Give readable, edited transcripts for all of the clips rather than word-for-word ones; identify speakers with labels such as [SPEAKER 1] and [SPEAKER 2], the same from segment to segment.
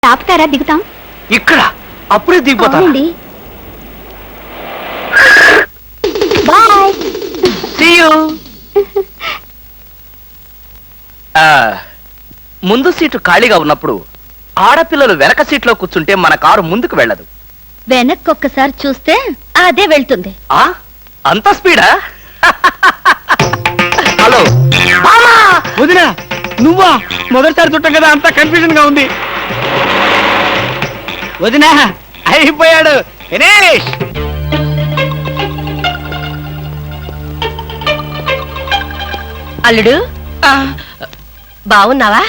[SPEAKER 1] ఆపుతారా? దిగుతాం.
[SPEAKER 2] ఇక్కడ అప్పుడే దిగిపోతా.
[SPEAKER 1] బాయ్.
[SPEAKER 2] See you. ముందు సీటు ఖాళీగా ఉన్నప్పుడు ఆడపిల్లలు వెనక సీట్లో కూర్చుంటే మన కారు ముందుకు వెళ్ళదు.
[SPEAKER 1] వెనక్కి ఒక్కసారి చూస్తే అదే వెళ్తుంది.
[SPEAKER 2] అంత స్పీడా? హలో
[SPEAKER 3] వదినా, నువ్వా? మొదటిసారి చుట్టం కదా, అంతా కన్ఫ్యూజన్ గా ఉంది. వదినా, అయిపోయాడు దినేష్.
[SPEAKER 1] అల్లుడు బాగున్నావా?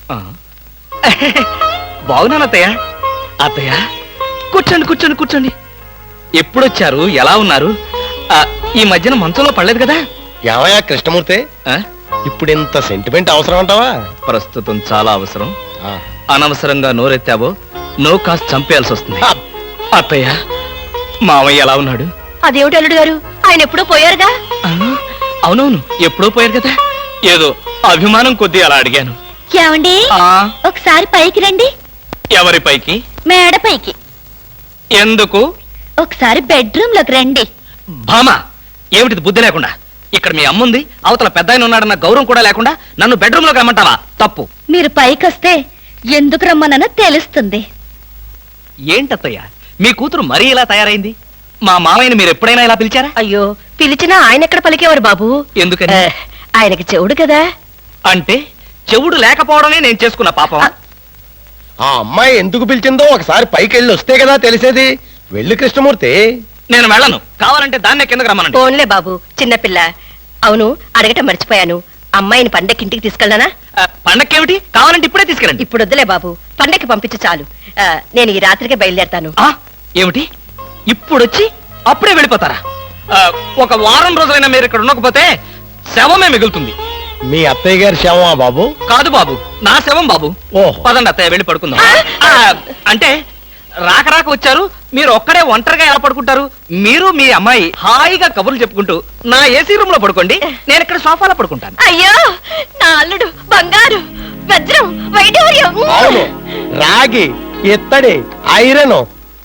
[SPEAKER 2] బాగున్నాను అత్తయ్య. అత్తయ్య కూర్చోండి కూర్చోండి కూర్చోండి. ఎప్పుడొచ్చారు? ఎలా ఉన్నారు? ఈ మధ్యన మంచంలో పడలేదు కదా?
[SPEAKER 4] ఏమయ్యా కృష్ణమూర్తి, ఇప్పుడు ఇంత సెంటిమెంట్ అవసరం అంటావా?
[SPEAKER 2] ప్రస్తుతం చాలా అవసరం. అనవసరంగా నోరెత్తావో నో కాస్త చంపేయాల్సి వస్తుంది. అత్తయ్య, మామయ్య ఎలా ఉన్నాడు?
[SPEAKER 1] అదేమిటి అల్లుడు గారు, ఆయన ఎప్పుడో పోయారుగా.
[SPEAKER 2] అవునవును, ఎప్పుడో పోయారు కదా. ఏదో అభిమానం కొద్దీ అలా అడిగాను.
[SPEAKER 1] ఏమండి, ఒకసారి పైకి రండి.
[SPEAKER 2] ఎవరి పైకి?
[SPEAKER 1] మేడ పైకి.
[SPEAKER 2] ఎందుకు?
[SPEAKER 1] ఒకసారి బెడ్రూమ్ లోకి రండి.
[SPEAKER 2] భామా, ఏమిటిది బుద్ధి లేకుండా? ఇక్కడ మీ అమ్ముంది, అవతల పెద్ద ఆయన ఉన్నాడన్న గౌరవం కూడా లేకుండా నన్ను బెడ్రూమ్ లోకి రమ్మంటావా? తప్పు.
[SPEAKER 1] మీరు పైకి వస్తే ఎందుకు రమ్మనో తెలుస్తుంది.
[SPEAKER 2] ఏంటత్తయ్య, మీ కూతురు మరీ ఇలా తయారైంది? మా మామయ్యని మీరు ఎప్పుడైనా ఇలా పిలిచారా?
[SPEAKER 1] అయ్యో, పిలిచినా ఆయన ఎక్కడ పలికేవారు బాబు?
[SPEAKER 2] ఎందుకని?
[SPEAKER 1] ఆయనకి చెవుడు కదా.
[SPEAKER 2] అంటే చెవుడు లేకపోవడమే నేను చేసుకున్న పాపం.
[SPEAKER 4] ఆ అమ్మాయి ఎందుకు పిలిచిందో ఒకసారి పైకి వెళ్ళి వస్తే కదా తెలిసేది. వెళ్ళి కృష్ణమూర్తి.
[SPEAKER 2] నేను వెళ్ళను. కావాలంటే దాన్నే కిందకి రమ్మనండి.
[SPEAKER 1] ఫోన్లే బాబు, చిన్నపిల్ల. అవును, అడగటం మర్చిపోయాను. అమ్మాయిని పండక్కి ఇంటికి తీసుకెళ్ళనా?
[SPEAKER 2] పండక్కేమిటి? కావాలంటే ఇప్పుడే తీసుకెళ్ళండి.
[SPEAKER 1] ఇప్పుడు వద్దులే బాబు, పండక్కి పంపించు చాలు. నేను ఈ రాత్రికే బయలుదేరతాను.
[SPEAKER 2] ఏమిటి? ఇప్పుడొచ్చి అప్పుడే వెళ్ళిపోతారా? ఒక వారం రోజులైనా మీరు ఇక్కడ ఉండకపోతే శవమే మిగులుతుంది.
[SPEAKER 4] మీ అత్తయ్య గారి శవమా బాబు?
[SPEAKER 2] కాదు బాబు, నా శవం బాబు.
[SPEAKER 4] ఓహో.
[SPEAKER 2] పదండి అత్తయ్య, వెళ్ళి పడుకుందాం. అంటే రాక రాక వచ్చారు, మీరు ఒక్కడే ఒంటరిగా ఎలా పడుకుంటారు? మీరు మీ అమ్మాయి హాయిగా కబుర్లు చెప్పుకుంటూ నా ఏసీ రూమ్ లో పడుకోండి, నేను ఇక్కడ సోఫాలో పడుకుంటాను.
[SPEAKER 1] అయ్యో, నా అల్లుడు బంగారు, వజ్రం, వైఢూర్యం.
[SPEAKER 4] అవును, రాగి, ఇత్తడి, ఐరన్.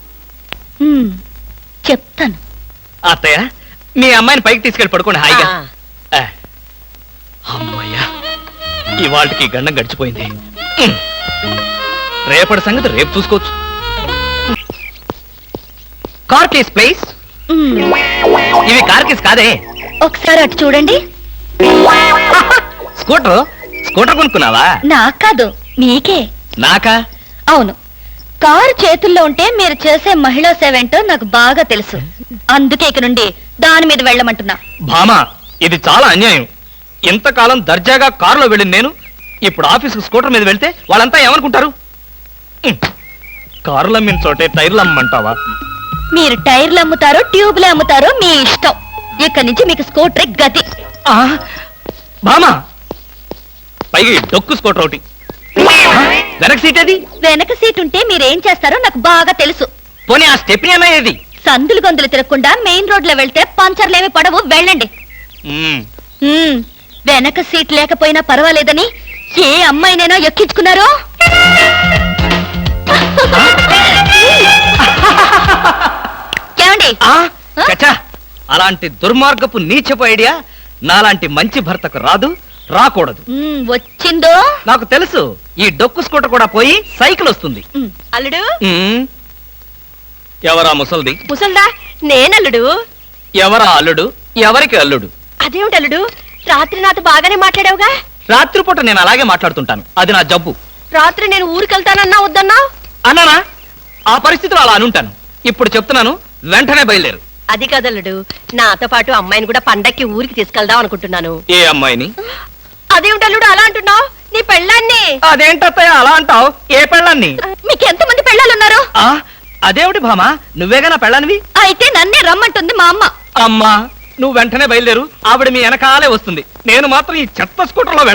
[SPEAKER 1] చెప్తాను.
[SPEAKER 2] అత్తయ్య, మీ అమ్మాయిని పైకి తీసుకెళ్ళి పడుకోండి హాయిగా. అమ్మయ్యా, ఇవాళకి గండం గడిచిపోయింది. రేపటి సంగతి రేపు చూసుకోవచ్చు. Car keys please. ఇవి కార్ కేస్ కాదే.
[SPEAKER 1] ఒకసారి అటు చూడండి.
[SPEAKER 2] స్కూటర్ స్కూటర్ కొనుక్కున్నావా?
[SPEAKER 1] నాకు కాదు, మీకే.
[SPEAKER 2] నాకా?
[SPEAKER 1] అవును, కారు చేతుల్లో ఉంటే మీరు చేసే మహిళా సేవ ఏంటో నాకు బాగా తెలుసు. అందుకే ఇక నుండి దాని మీద వెళ్ళమంటున్నా.
[SPEAKER 2] భామా, ఇది చాలా అన్యాయం. ఇంతకాలం దర్జాగా కారులో వెళ్ళింది నేను, ఇప్పుడు ఆఫీసుకు స్కూటర్ మీద వెళ్తే వాళ్ళంతా ఏమనుకుంటారు? కారులు అమ్మిన చోటే టైర్లు అమ్మంటావా?
[SPEAKER 1] మీరు టైర్లు అమ్ముతారో ట్యూబ్లు అమ్ముతారో మీ ఇష్టం. ఇక్కడి నుంచి మీకు స్కూటర్ గతి.
[SPEAKER 2] భామా, పైగా డొక్కు స్కూటర్ ఒకటి. వెనక సీట్ ఏది?
[SPEAKER 1] వెనక సీట్ ఉంటే మీరేం చేస్తారో నాకు బాగా తెలుసు.
[SPEAKER 2] పోనీ ఆ స్టెప్ని అన్నా ఏది?
[SPEAKER 1] సందులు గొంతులు తిరగకుండా మెయిన్ రోడ్ లో వెళ్తే పంచర్లేమి పడవు, వెళ్ళండి. వెనక సీట్ లేకపోయినా పర్వాలేదని ఏ అమ్మాయినైనా ఎక్కించుకున్నారో? ఏమండి?
[SPEAKER 2] చచ్చా, అలాంటి దుర్మార్గపు నీచపు ఐడియా నాలాంటి మంచి భర్తకు రాదు, రాకూడదు.
[SPEAKER 1] వచ్చిందో
[SPEAKER 2] నాకు తెలుసు. ఈ డొక్కు స్కూటర్ కూడా పోయి సైకిల్ వస్తుంది.
[SPEAKER 1] అల్లుడు.
[SPEAKER 2] ఎవరా ముసల్ది?
[SPEAKER 1] ముసల్దా? నేనల్లుడు.
[SPEAKER 2] ఎవరా అల్లుడు? ఎవరికి అల్లుడు?
[SPEAKER 1] అదేమిటి అల్లుడు, రాత్రి నాతో బాగానే మాట్లాడావుగా?
[SPEAKER 2] రాత్రిపూట నేను అలాగే మాట్లాడుతుంటాను, అది నా జబ్బు.
[SPEAKER 1] రాత్రి నేను ఊరికెళ్తానన్నా వద్దన్నా?
[SPEAKER 2] అన్నానా? ఆ పరిస్థితిలో అలా అనుంటాను. ఇప్పుడు చెప్తున్నాను, వెంటనే బయలుదేరు.
[SPEAKER 1] అది కదల్లుడు, నాతో పాటు అమ్మాయిని కూడా పండక్కి ఊరికి తీసుకెళ్దాం అనుకుంటున్నాను.
[SPEAKER 2] ఏ అమ్మాయిని?
[SPEAKER 1] అదేమిటల్లుడు అలా అంటున్నావు? నీ పెళ్ళాన్ని.
[SPEAKER 2] అదేంటత్తయ్య అలా అంటావు? ఏ పెళ్ళాన్ని?
[SPEAKER 1] మీకెంతమంది పెళ్ళాలున్నారు?
[SPEAKER 2] అదేమిటి భామా, నువ్వేగా నా పెళ్ళానివి?
[SPEAKER 1] అయితే నన్నే రమ్మంటుంది మా అమ్మ.
[SPEAKER 2] అమ్మా, నువ్వు వెంటనే బయలుదేరు, ఆవిడ మీ వెనకాలే వస్తుంది. నేను మాత్రం ఈ చెత్త స్కూటర్లో